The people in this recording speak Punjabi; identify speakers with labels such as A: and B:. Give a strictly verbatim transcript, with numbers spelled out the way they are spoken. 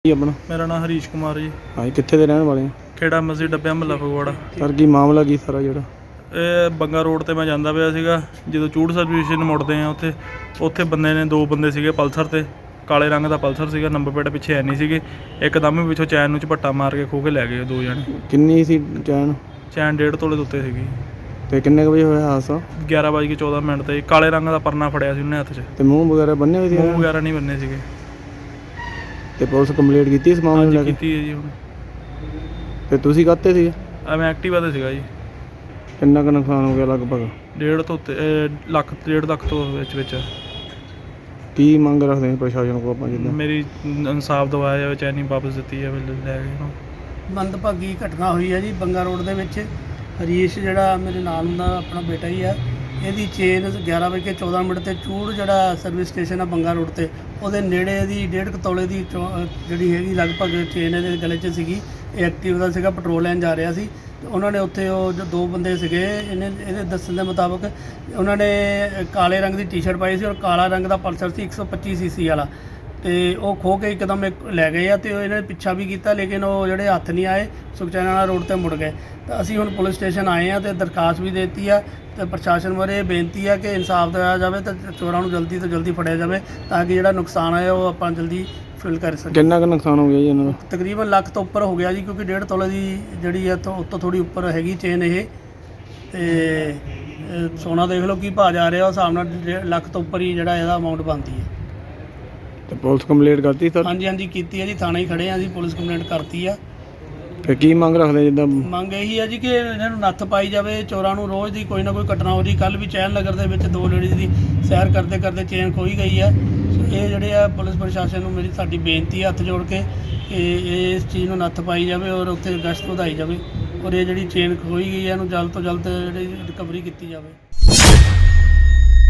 A: ਜੀ ਆਪਣਾ
B: मेरा नाम हरीश कुमार जी।
A: ਹਾਂਜੀ ਕਿੱਥੇ ਦੇ ਰਹਿਣ ਵਾਲੇ ਆ
B: खेड़ा मस्जिद डब्बिया महला फगवाड़ा।
A: ਸਰ ਕੀ ਮਾਮਲਾ ਕੀ ਸਾਰਾ ਜਿਹੜਾ
B: ਇਹ ਬੰਗਾ ਰੋਡ ਤੇ ਮੈਂ ਜਾਂਦਾ ਪਿਆ ਸੀਗਾ, ਜਦੋਂ ਚੂੜ ਸਰਵਿਸ ਸਟੇਸ਼ਨ ਮੁੜਦੇ ਆ ਉੱਥੇ ਉੱਥੇ ਬੰਦੇ ਨੇ ਦੋ ਬੰਦੇ ਸੀਗੇ ਪਲਸਰ ਤੇ, ਕਾਲੇ ਰੰਗ ਦਾ ਪਲਸਰ ਸੀਗਾ, ਨੰਬਰ ਪਲੇਟ ਪਿੱਛੇ ਹੈ ਨਹੀਂ ਸੀਗੇ। ਇੱਕਦਮ ਹੀ ਪਿੱਛੋਂ ਚੈਨ ਨੂੰ ਝਪੱਟਾ ਮਾਰ ਕੇ ਖੋਹ ਕੇ ਲੈ ਗਏ ਦੋ ਜਣੇ।
A: ਕਿੰਨੀ ਸੀ ਚੈਨ
B: ਚੈਨ ਡੇਢ ਤੋਲੇ ਦੇ ਉੱਤੇ ਸੀਗੀ।
A: ਤੇ ਕਿੰਨੇ ਕੁ ਵਜੇ ਹੋਇਆ ਹਾਦਸਾ
B: ਗਿਆਰਾਂ ਵੱਜ ਕੇ ਚੌਦਾਂ ਮਿੰਟ ਤੇ ਕਾਲੇ ਰੰਗ ਦਾ ਪਰਨਾ ਫੜਿਆ ਸੀ ਉਹਨੇ ਹੱਥ 'ਚ।
A: ਤੇ ਮੂੰਹ ਵਗੈਰਾ ਬੰਨੇ ਹੋਏ ਸੀ
B: ਮੂੰਹ ਵਗੈਰਾ ਨਹੀਂ ਬੰਨੇ ਸੀਗੇ।
A: ਤੇ ਪੁਲਿਸ ਕੰਪਲੀਟ ਕੀਤੀ ਇਸ ਮਾਮਲੇ ਨੂੰ ਲੈ
B: ਹਾਂਜੀ
A: ਕੇ?
B: ਕੀਤੀ ਹੈ ਜੀ। ਹੁਣ
A: ਤੇ ਤੁਸੀਂ ਕਾਹਤੇ ਸੀਗੇ?
B: ਆ ਮੈਂ ਐਕਟਿਵਾ ਤੇ ਸੀਗਾ ਜੀ।
A: ਕਿੰਨਾ ਕੁ ਨੁਕਸਾਨ ਹੋ ਗਿਆ ਲਗਭਗ?
B: ਡੇਢ ਤੋਂ ਉੱਤੇ ਅਹ ਲੱਖ ਡੇਢ ਲੱਖ ਤੋਂ ਵਿੱਚ ਵਿੱਚ।
A: ਕੀ ਮੰਗ ਰੱਖਦੇ ਆ ਪ੍ਰਸ਼ਾਸਨ ਕੋਲ ਆਪਾਂ ਜਿੱਦਾਂ?
B: ਮੇਰੀ ਇਨਸਾਫ ਦਵਾਇਆ ਜਾਵੇ, ਚੈਨੀ ਵਾਪਸ ਦਿੱਤੀ ਜਾਵੇ, ਲੈ ਗਏ ਉਹਨੂੰ।
C: ਮੰਦਭਾਗੀ ਘਟਨਾ ਹੋਈ ਹੈ ਜੀ ਬੰਗਾ ਰੋਡ ਦੇ ਵਿੱਚ। ਹਰੀਸ਼ ਜਿਹੜਾ ਮੇਰੇ ਨਾਲ ਹੁੰਦਾ ਆਪਣਾ ਬੇਟਾ ਹੀ ਆ, ਇਹਦੀ ਚੇਨ ਗਿਆਰਾਂ ਵਜੇ ਕੇ ਚੌਦਾਂ ਮਿੰਟ ਤੇ ਚੂੜ ਜਿਹੜਾ ਸਰਵਿਸ ਸਟੇਸ਼ਨ ਆ ਬੰਗਾ ਰੋਡ ਤੇ ਉਹਦੇ ਨੇੜੇ ਇਹਦੀ ਡੇਢ ਕੁ ਤੋਲੇ ਦੀ ਚੌ- ਜਿਹੜੀ ਹੈਗੀ ਲਗਭਗ ਚੇਨ ਇਹਦੇ ਗਲੇ 'ਚ ਸੀਗੀ। ਇਹ ਐਕਟਿਵ ਦਾ ਸੀਗਾ, ਪੈਟਰੋਲ ਲੈਣ ਜਾ ਰਿਹਾ ਸੀ ਤੇ ਉਹਨਾਂ ਨੇ ਉੱਥੇ ਉਹ ਜੋ ਦੋ ਬੰਦੇ ਸੀਗੇ, ਇਹਨੇ ਇਹਦੇ ਦੱਸਣ ਦੇ ਮੁਤਾਬਕ ਉਹਨਾਂ ਨੇ ਕਾਲੇ ਰੰਗ ਦੀ ਟੀ-ਸ਼ਰਟ ਪਾਈ ਸੀ ਔਰ ਕਾਲਾ ਰੰਗ ਦਾ ਪਲਸਰ ਸੀ ਇੱਕ ਸੌ ਪੱਚੀ ਸੀਸੀ ਵਾਲਾ, ਤੇ ਉਹ ਖੋਹ ਕੇ ਇੱਕਦਮ ਇੱਕ ਲੈ ਗਏ ਆ। ਤੇ ਉਹ ਇਹਨਾਂ ਨੇ ਪਿੱਛਾ ਵੀ ਕੀਤਾ ਲੇਕਿਨ ਉਹ ਜਿਹੜੇ ਹੱਥ ਨਹੀਂ ਆਏ, ਸੁਖਚੈਨ ਰੋਡ ਤੇ ਮੁੜ ਗਏ। ਤਾਂ ਅਸੀਂ ਹੁਣ ਪੁਲਿਸ ਸਟੇਸ਼ਨ ਆਏ ਆ ਤੇ ਦਰਖਾਸਤ ਵੀ ਦੇ ਦਿੱਤੀ ਆ ਤੇ ਪ੍ਰਸ਼ਾਸਨ ਬਾਰੇ ਇਹ ਬੇਨਤੀ ਆ ਕਿ ਇਨਸਾਫ ਦਿਵਾਇਆ ਜਾਵੇ ਤੇ ਚੋਰਾਂ ਨੂੰ ਜਲਦੀ ਤੋਂ ਜਲਦੀ ਫੜਿਆ ਜਾਵੇ ਤਾਂ ਕਿ ਜਿਹੜਾ ਨੁਕਸਾਨ ਆਇਆ ਉਹ ਆਪਾਂ ਜਲਦੀ ਫਿਲ ਕਰ ਸਕੀਏ।
A: ਕਿੰਨਾ ਕੁ ਨੁਕਸਾਨ ਹੋ ਗਿਆ ਜੀ ਇਹਨਾਂ ਦਾ?
C: ਤਕਰੀਬਨ ਲੱਖ ਤੋਂ ਉੱਪਰ ਹੋ ਗਿਆ ਜੀ, ਕਿਉਂਕਿ ਡੇਢ ਤੋਲੇ ਦੀ ਜਿਹੜੀ ਆ ਤੋਂ ਉੱਤੋਂ ਥੋੜੀ ਉੱਪਰ ਹੈਗੀ ਚੇਨ ਇਹ। ਤੇ ਇਹ ਸੋਨਾ ਦੇਖ ਲਓ ਕੀ ਭਾਅ ਜਾ ਰਿਹਾ, ਉਸ ਹਿਸਾਬ ਨਾਲ ਡੇ- ਲੱਖ ਤੋਂ ਉੱਪਰ ਹੀ ਜਿਹੜਾ ਇਹਦਾ ਅਮਾਊਂਟ ਬਣਦੀ ਹੈ।
A: ਤੇ ਪੁਲਿਸ ਕੰਪਲੀਟ ਕਰਤੀ ਸਰ?
C: ਹਾਂਜੀ ਹਾਂਜੀ ਕੀਤੀ ਹੈ ਜੀ, ਥਾਣੇ ਹੀ ਖੜੇ ਆ ਜੀ, ਪੁਲਿਸ ਕੰਪਲੇਂਟ ਕਰਤੀ ਆ।
A: ਤੇ ਕੀ ਮੰਗ ਰੱਖਦੇ ਜਿੱਦਾਂ?
C: ਮੰਗ ਇਹੀ ਹੈ ਜੀ ਕਿ ਇਹਨਾਂ ਨੂੰ ਨੱਥ ਪਾਈ ਜਾਵੇ, ਚੋਰਾਂ ਨੂੰ ਰੋਜ਼ ਦੀ ਕੋਈ ਨਾ ਕੋਈ ਘਟਨਾ ਹੋ ਰਹੀ। ਕੱਲ੍ਹ ਵੀ ਚੈਨ ਨਗਰ ਦੇ ਵਿੱਚ ਦੋ ਲੇਡੀਜ਼ ਦੀ ਸੈਰ ਕਰਦੇ ਕਰਦੇ ਚੇਨ ਖੋਈ ਗਈ ਹੈ। ਸੋ ਇਹ ਜਿਹੜੇ ਆ ਪੁਲਿਸ ਪ੍ਰਸ਼ਾਸਨ ਨੂੰ ਮੇਰੀ ਸਾਡੀ ਬੇਨਤੀ ਹੈ ਹੱਥ ਜੋੜ ਕੇ ਕਿ ਇਸ ਚੀਜ਼ ਨੂੰ ਨੱਥ ਪਾਈ ਜਾਵੇ ਔਰ ਉੱਥੇ ਗਸ਼ਤ ਵਧਾਈ ਜਾਵੇ ਔਰ ਇਹ ਜਿਹੜੀ ਚੇਨ ਖੋਈ ਗਈ ਹੈ ਇਹਨੂੰ ਜਲਦ ਤੋਂ ਜਲਦ ਜਿਹੜੀ ਰਿਕਵਰੀ ਕੀਤੀ ਜਾਵੇ।